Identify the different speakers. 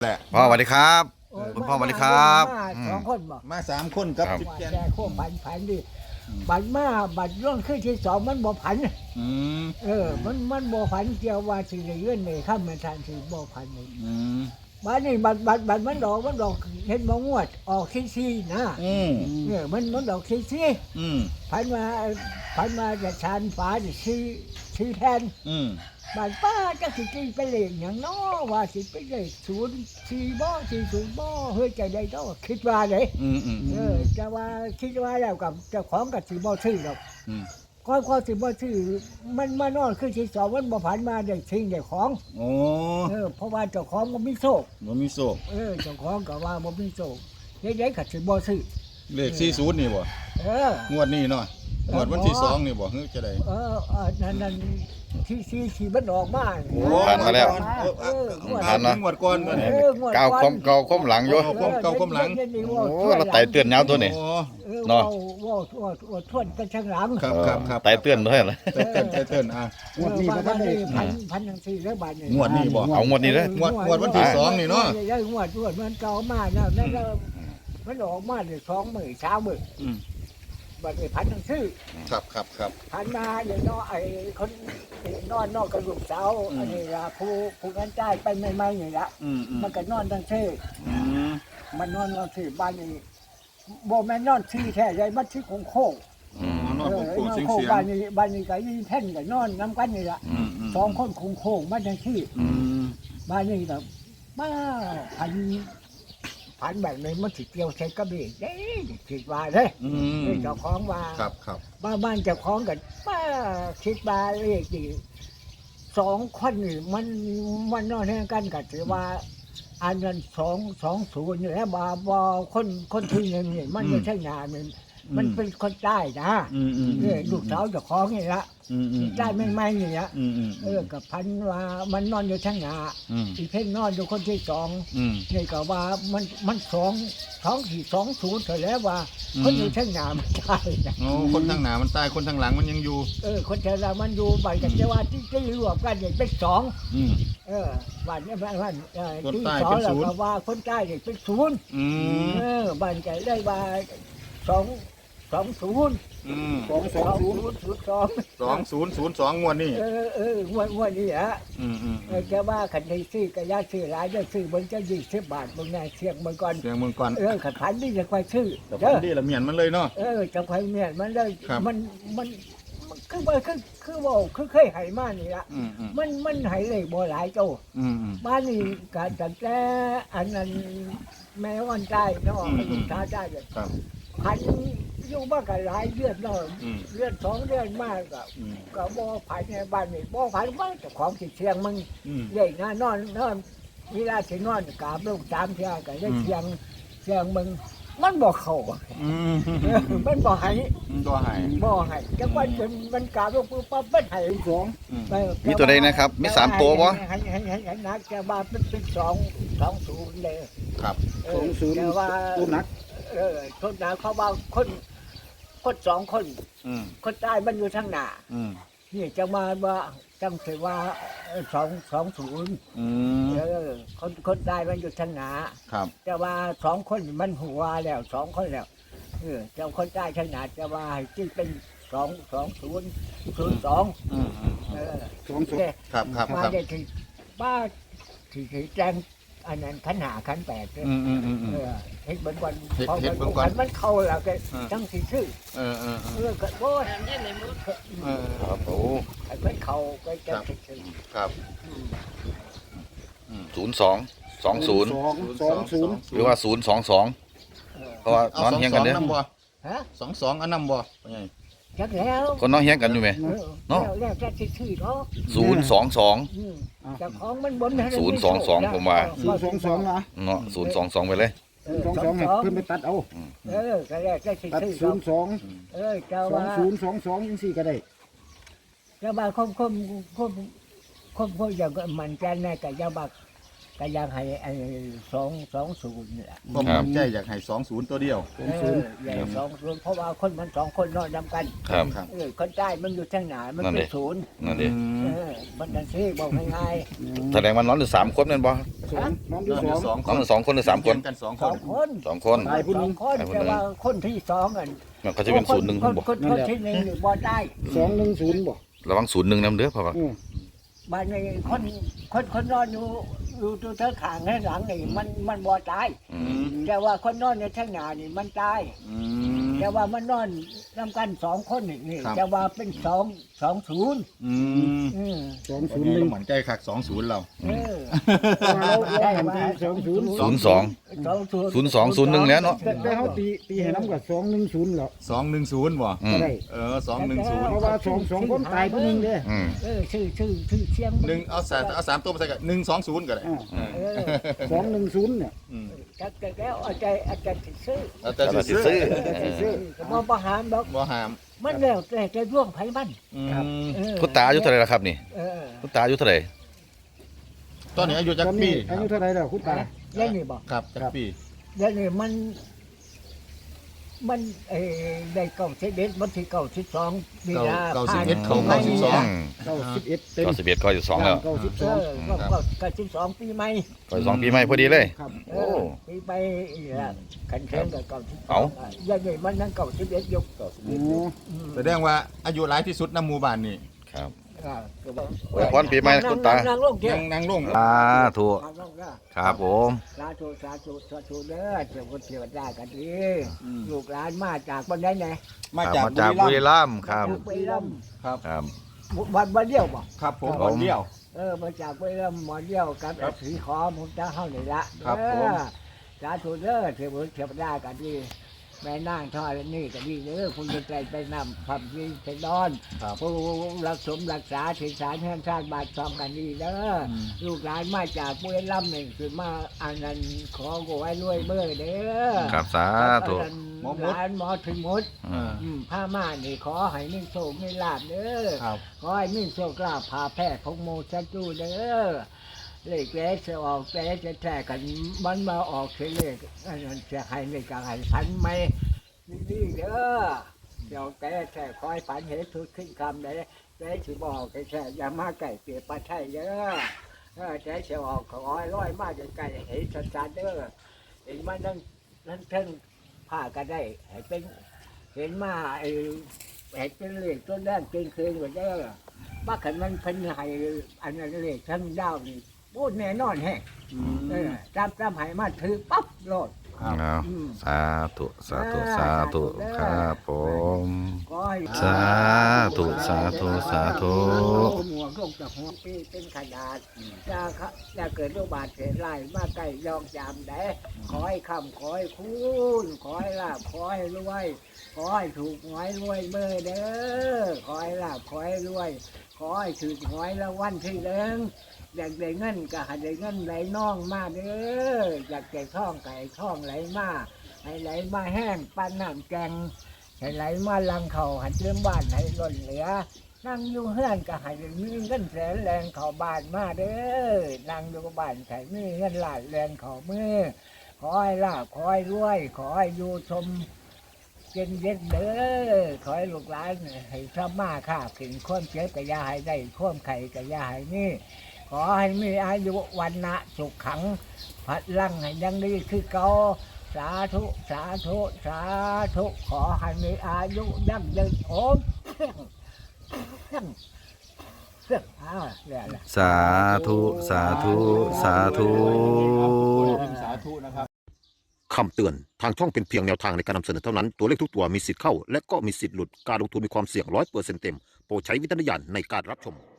Speaker 1: แหละ
Speaker 2: พ่อสวัสดีครับคุณพ่อสวัสดีครับ
Speaker 3: สองคนบ่
Speaker 1: มา3 คนกับ
Speaker 2: ครับ
Speaker 1: จิ๊บแกน
Speaker 3: แต่โค้งผันดิบัดมาบัดร่วงขึ้นที่สองมันบ่ผัน
Speaker 1: อืม
Speaker 3: มันบ่ผันเกี่ยวว่าสิได้เงินในค่ำมันทันสิบ่ผันนี่
Speaker 1: อืม
Speaker 3: บัดนี้บัดมันดอกเห็นบ่งวดออกซี่นะ
Speaker 1: อืม
Speaker 3: มันดอกซี่
Speaker 1: อืม
Speaker 3: ผันมาจะชานฟ้าจะซี่แทน
Speaker 1: อืม
Speaker 3: บ้านป้าจะสิตีไปเลขอย่างน้อว่าสิไปเลข04บ่40บ่เฮ้ยใจได้ต้องคิดว่าเด้
Speaker 1: อืมอืม
Speaker 3: จะว่าคิดว่าแล้วกับเจ้าของกับสิบ่ซื้อหรอก
Speaker 1: อืม
Speaker 3: ก็สิบ่ซื้อมันมานอนขึ้นที่สองมันบ่ผ่านมาได้ทิ้งได้ของ
Speaker 1: โอ้
Speaker 3: เพราะว่าเจ้าของบ่มีโชค
Speaker 1: บ่มีโศก
Speaker 3: เจ้าของก็ว่าบ่มีโชคเด็กๆก็สิบ่ซื้อ
Speaker 1: เลข40นี่บ่
Speaker 3: เออง
Speaker 1: วดนี้เนาะงวดวันที่2นี่บ่ฮึจะได้
Speaker 3: นั่นที่มันออกมา
Speaker 2: ผ่านมาแล้ว
Speaker 1: ผ่านนะงวดก่อนก็นี่
Speaker 2: ก้าวคมหลังอยู่
Speaker 1: เก่าก้มหลัง
Speaker 2: โอ้เราไต่เตือนยาวตัวนี่
Speaker 1: โอ้
Speaker 2: เนาะ
Speaker 3: ว่าทวนกันข้างหลัง
Speaker 1: ครับ
Speaker 2: ไต่เตือนด้วยเหรอ
Speaker 1: เต้นอ่ะ
Speaker 3: งวดนี้ก็ได้พันจังซี่แล้วบาดนี้
Speaker 1: งวดนี้บ่
Speaker 2: เอางวดนี้เลย
Speaker 1: งวดวันที่2นี่เนาะ
Speaker 3: ได้งวดมันเก่ามาแล้วนั่นมันออกมาได้2มื้อ3มื้อ
Speaker 1: อืม
Speaker 3: บัดนี้พันจังซี่
Speaker 1: ครับ
Speaker 3: พันมาอย่างน้อยไอ้คนนอนนอกกับลูกสาวอันนี้ล่ะผู้กันจ่ายไปใหม่ๆนี่ล่ะ
Speaker 1: อืม
Speaker 3: มันก็นอนจังซี่
Speaker 1: อืม
Speaker 3: มันนอนที่บ้านนี้บ่แม่นนอนที่แท้ใหญ่มันที่โค้ง
Speaker 1: นอนโค้งๆเสียง
Speaker 3: บ้านนี้ก็ยีแท่นก็นอนนํกันนี่ล่ะ
Speaker 1: อืม
Speaker 3: สองคนโค้งๆมาจังซี่
Speaker 1: อืม
Speaker 3: บ้านนี้ก็มาพันแบบนี้มันสิเกี่ยวใส่กระเบกเด้คิดว่าเด้
Speaker 1: อืม
Speaker 3: เจ้าของว่า
Speaker 1: ครับ
Speaker 3: บ้านเจ้าของกันป้าคิดว่าเลขดี2 คนนี่มันนอนแห่งกันก็ถือว่าอันนั้น220อยู่แล้วบ่คนที่หนึ่งนี่มันไม่ใช่งานมันเป็นคนใต้นะ
Speaker 1: อืม
Speaker 3: ลูกสาวเจ้าของนี่ละ ได้ไม่นี่ละ
Speaker 1: อืม
Speaker 3: กับพันว่ามันนอนอยู่ทั้งหน้า
Speaker 1: อืม
Speaker 3: อีเพ่นนอนอยู่คนที่สอง
Speaker 1: อืม
Speaker 3: นี่ก็ว่ามัน220เท่าแล้วว่า คนอยู่ทั้งหน้ามันตายนะ
Speaker 1: โอ้คนทางหน้ามันตายคนทางหลังมันยังอยู่
Speaker 3: คนเทรามันอยู่บ้านกันจะว่าที่รวมกันเนี่ยเป็น2
Speaker 1: อืม
Speaker 3: บ้านนี้บ้าน
Speaker 1: คน
Speaker 3: ที่
Speaker 1: ใต้
Speaker 3: สอ
Speaker 1: เป็
Speaker 3: ง
Speaker 1: น
Speaker 3: แล้ว
Speaker 1: ศูนย์
Speaker 3: ก็ว่าคนใต้เนี่ยเป็น0
Speaker 1: อืม
Speaker 3: บ้านกันได้ว่า20
Speaker 1: อืม
Speaker 3: 2002
Speaker 1: 2002งวดนี่
Speaker 3: งวดนี้ฮะ
Speaker 1: อืม
Speaker 3: แกว่าขันได้ซื้อกระยาซื้อหลายจะซื้อมันจะ20 บาทบางแน่เสียงมันก่อน
Speaker 1: เสียงเมืองก่อน
Speaker 3: ขันพันนี่จะไปซื้อ
Speaker 1: แต่พันดีละเมียนมันเลยเนาะ
Speaker 3: จะไปเนี่ยมันเลย
Speaker 1: ครับ
Speaker 3: มันคือว่าคือเคยให้มานี่ละ
Speaker 1: อืม
Speaker 3: มันให้เลยบ่หลายโต
Speaker 1: อืม
Speaker 3: บ้านนี้ก็ตั้งแต่อันนั้นแม่วันใจเนาะลูกชายได้เลย
Speaker 1: ครับ
Speaker 3: พันอยู่บ้านก็หลายเดือนเนาะ
Speaker 1: อืม
Speaker 3: เดือน2 เดือนมากก็
Speaker 1: อืม
Speaker 3: ก็บ่ผ่านในบ้านนี่บ่ผ่านบ้านเจ้าของสิเชียงมึง
Speaker 1: อืม
Speaker 3: ใหญ่นะนอนเวลาสินอนกราบลูก3เที่ยก็ได้เชียงมึงมันบ่เข้า
Speaker 1: อืม
Speaker 3: มันบ่ให้
Speaker 1: ตัวหาย
Speaker 3: บ่ให้จังว่าจนมันกราบลูกปั๊บมันให้สอง
Speaker 1: อืม
Speaker 2: มีตัวใดนะครับ มี3ตัวบ่
Speaker 3: ให้นักจะว่าเป็น2 0เลย
Speaker 1: ครับ
Speaker 3: แต่ว่า
Speaker 4: ตัวหนัก
Speaker 3: ทุนหนักเขาว่าคน2 คน
Speaker 1: อืม
Speaker 3: คนใต้มันอยู่ทางหน้า
Speaker 1: อืม
Speaker 3: นี่จะมาว่าจังสิว่า220
Speaker 1: อืม
Speaker 3: คนตายมันอยู่ทางหนา
Speaker 1: ครับ
Speaker 3: แต่ว่า2 คนมันหัวแล้ว2 คนแล้วเจ้าคนตายทางหนาจะว่าให้ที่เป็น22002
Speaker 1: อืม
Speaker 4: 20
Speaker 3: แต่
Speaker 1: ครับ
Speaker 3: มาได้ที่บ้าที่แจ้งอันนั้นขันหาขันแปด
Speaker 1: อืม
Speaker 3: เฮ็ดเบิ่งก่อน
Speaker 1: เฮ็ดเบิ่งก่อน
Speaker 3: มันเข้าแล้วก็จังสิซื้อ
Speaker 1: เออ
Speaker 3: ก็โอ้ย
Speaker 2: ครับโอ้
Speaker 3: มันเข้าก็จังสิซื้อ
Speaker 1: ครับ
Speaker 2: 0220หรือว่า022เพราะว่า
Speaker 1: เอา
Speaker 2: นอนเฮียงกันเด้อ
Speaker 1: น้ำบ่
Speaker 3: ฮะ
Speaker 1: 22อันน้ำบ่เป็นไง
Speaker 3: จักแล้ว
Speaker 2: คนนอนเฮียงกันอยู่ไหม เนาะ
Speaker 3: แล้วจะสิซื้อเนาะ
Speaker 2: 022
Speaker 3: เจ้าของมันบนให้
Speaker 2: 022ผมว่า
Speaker 4: 022นะ
Speaker 2: เนาะ022ไปเลย
Speaker 4: 022ให้เพิ่นไปตัดเอา
Speaker 3: ก็แล้วจะสิ
Speaker 4: ตัด
Speaker 3: ซื้อ
Speaker 4: 02
Speaker 3: เจ้าว่า
Speaker 4: 2022จังซี่ก็ได้
Speaker 3: เจ้าว่าคมอย่างมันแกนแน่แต่เจ้าว่าก็ยังให้ไอ้220นี่แหละ
Speaker 1: ผมมั่นใจอยากให้20ตัวเดียว
Speaker 3: ใหญ่20เพราะว่าคนมัน2คนนอนนำกัน
Speaker 2: ครับ
Speaker 1: ครับ
Speaker 3: คนใต้มันอยู่ทางไหนมัน
Speaker 2: นั่น
Speaker 3: เป็
Speaker 2: ดิ
Speaker 3: นศูนย์
Speaker 2: นั่นดิ
Speaker 3: มันดันซี่บอกง่าย
Speaker 2: แสดงว่านอนอยู่3คนแม่นบ่
Speaker 4: สองน้องที่
Speaker 1: นอน
Speaker 4: ส
Speaker 1: อ
Speaker 4: อง
Speaker 1: ยู่2
Speaker 2: นอนอยู่2คนหรือ3คน
Speaker 1: กัน2
Speaker 3: ๆ
Speaker 1: ค
Speaker 3: ส
Speaker 1: น
Speaker 3: องคน
Speaker 2: 2คน
Speaker 4: ตายผู้ห
Speaker 3: ส
Speaker 4: นึ
Speaker 3: อง งคนแต่ว่าคนที่สองอัน
Speaker 2: มันก็จะเป็น0 1
Speaker 3: คน
Speaker 2: บ่
Speaker 3: คนที่หนึ่งนี่บ่ได้
Speaker 4: 210บ่
Speaker 2: ระวัง0 1นำเด้อเพราะว่า
Speaker 3: บ้านนี้คนนอนอยู่ตัวเธอขางให้หลังนี่มันบ่ตาย
Speaker 2: อืม
Speaker 3: แต่ว่าคนนอนในทางหน้านี่มันตาย
Speaker 1: อืม
Speaker 3: แต่ว่ามันนอนนำกัน2คนนี่
Speaker 1: ครับ
Speaker 3: แต่ว่าเป็น220
Speaker 1: อืม
Speaker 3: อืม
Speaker 1: วันนี้เรามั่นใจคัก20เรา
Speaker 4: เราหันไป20
Speaker 2: 02 01แล้วเนาะ
Speaker 4: แต่เขาตีให้น้ำกับ210แล้ว
Speaker 1: 210บ่
Speaker 2: อื
Speaker 4: ก็
Speaker 2: ม
Speaker 4: ได้
Speaker 1: 210
Speaker 4: เพราะว่าสองคนตายผู้หนึงเด้
Speaker 2: อืม
Speaker 3: ชื่อเสียง
Speaker 1: 1เอา3ตัวมาใส่กัน120ก็ได้
Speaker 4: 210เนี่ย
Speaker 1: อืม
Speaker 3: แต่แล้วอาจารย์ซื้อ
Speaker 1: แล้วแต่
Speaker 2: แต่สิ
Speaker 1: สิ
Speaker 2: ซื้อ
Speaker 3: ก็บ่ประหารดอก
Speaker 1: บ่ห้าม
Speaker 3: มันแล้วแต่จะร่วงไผมัน
Speaker 1: อืม
Speaker 2: คุณตาอายุเท่าไหร่ล่ะครับนี่
Speaker 3: เออ
Speaker 2: คุณตาอายุเท่าไหร่
Speaker 1: ตอนนี้อายุจัก
Speaker 4: ตอน
Speaker 1: ปี
Speaker 4: นี้อายุเท่าไหร่แล้วคุณตา
Speaker 3: แล้วนี่บ่
Speaker 1: ครับจักปี
Speaker 3: แล้วนี่มันได้91มันสิ92นี่นะ
Speaker 1: 91เข้า
Speaker 2: อื
Speaker 1: 92
Speaker 2: ม
Speaker 4: 91เต็ม
Speaker 2: 91ข้ออยู่2แล้ว
Speaker 3: ก็12ปีใหม่
Speaker 2: ข้ออยู่2ปีใหม่พอดีเลย
Speaker 4: ครับ
Speaker 3: เออปีใหม่นี่ล่ะคันเทงก็92
Speaker 2: เอ้า
Speaker 3: แล้วนี่มันนั่ง91ยก
Speaker 4: อ๋อ
Speaker 1: แสดงว่าอายุหลายที่สุดในหมู่บ้านนี่
Speaker 2: ครับ
Speaker 3: ก็บอก
Speaker 2: อวยพรปีใหม่คุณตา
Speaker 3: นั่งลงเถ
Speaker 1: ยั
Speaker 3: อะ
Speaker 1: งนั่งลง
Speaker 2: สาธุ
Speaker 3: นั่งลงเถอะ
Speaker 2: ครับผม
Speaker 3: สาธุเด้อเจ้าคนเทวดากันดีลูกหลานมาจากบ้านไหนไหน
Speaker 1: มาจาก
Speaker 2: จาก
Speaker 1: บุ
Speaker 2: บุ
Speaker 1: รี
Speaker 2: รี
Speaker 1: รัมย์
Speaker 2: รัมย์ครับ
Speaker 3: จากบุรีรัมย์
Speaker 1: ครับ
Speaker 2: ครับ
Speaker 3: วันเดียวบ่
Speaker 1: ครับผม
Speaker 2: ครับ
Speaker 1: วันเดียว
Speaker 3: มาจากบุรีรัมย์หมอเดียวกับ
Speaker 1: ครับ
Speaker 3: สีขอผมจะเข้านี่ละ
Speaker 1: ครับผม
Speaker 3: สาธุเด้อเทวดากันดีแม่นางทอดนี่ก็ดีเด้อคุณจะใจไปนำความดีไปนอน
Speaker 1: ครับ
Speaker 3: ผู้รักสมรักษาถิ่นฐานแห่งชาติบาทซอมกันดีเด้ออ
Speaker 1: ม
Speaker 3: ลูกหลานมาจากบุรีรัมย์นี่คือมาอันนั้นขอกูไว้รวยเบ้อเด้อ
Speaker 2: ครับสาธุ
Speaker 3: หมอหลานหมอถึงหมด
Speaker 2: อืม
Speaker 3: ผ้าม่านนี่ขอให้มีโชคมีลาภเด้อ
Speaker 1: ครับ
Speaker 3: ขอให้มีโชคลาภพาแพร่ของโมชันจูเด้อเลขแก่จะออกแก่จะแท้กันมันมาออกเสียเลขอันนั้นจะให้เลขกันให้พันไหมนี่เด้อเดี๋ยวแก่แท้คอยฝันเห็นทุกขึ้นคำเลยแก่สิบอกแก่แท้อย่ามาไก่เปียกปลาไทยเด้อแก่จะออกขอให้ร้อยมากไก่เห็นชัดๆเด้อเห็นมันนั่นเท่งผ้าก็ได้ให้เป็นเห็นมาให้เป็นเลขต้นแรกเป็นคืนกว่าเด้อบ้าขันมันเพิ่นให้อันนั้นเลขทั้งดาวนี่พูดแน่นอนแฮะจำให้มาถือปั๊บโลด
Speaker 1: ครับ
Speaker 2: เอาสาธุสาธุสาธุครับผม
Speaker 3: ขอให้
Speaker 2: สาธุสาธุสาธุ
Speaker 3: หมวกลงจากหัวปีเป็นขนาดจะเกิดโรคบาดเจ็บไล่มาใกล้ยองจามได้ขอให้คำขอให้คุณขอให้ลาบขอให้รวยขอให้ถูกหวยรวยเบอร์เด้อขอให้ลาบขอให้รวยขอให้ถูกหวยละวันที่หนึ่งอยากได้เงินก็ให้ได้เงินไหลน่องมาเด้ออยากได้ท่องไก่ท่องไหลมาให้ไหลมาแห้งปั้นน้ำแกงให้ไหลมาลังเขาหันเรื่องบ้านให้ล้นเหลือนั่งอยู่เฮือนก็ให้ได้มีเงินแสนแรงเขาบ้านมาเด้อนั่งอยู่บ้านไข่มีเงินหลาดแรงเขามือขอให้ลาบขอให้รวยขอให้อยู่ชมเย็นเย็นเด้อขอให้ลูกหลานให้สมาค่าขึ้นข้อมเจ็บกะยาให้ได้ข้อมไข่กะยาให้นี่ขอให้มีอายุวันนะสุขขังพัดลังให้ยังดีคือเก่าสาธุสาธุสาธุขอให้มีอายุยั่งยืนโอมเนี่ยแหละ
Speaker 2: สาธุสาธุสาธุ
Speaker 1: สาธุนะครับ
Speaker 5: คำเตือน ทางช่องเป็นเพียงแนวทางในการนำเสนอเท่านั้น ตัวเลขทุกตัวมีสิทธิ์เข้า และก็มีสิทธิ์หลุด การลงทุนมีความเสี่ยง100%เต็ม โปรดใช้วิจารณญาณในการรับชม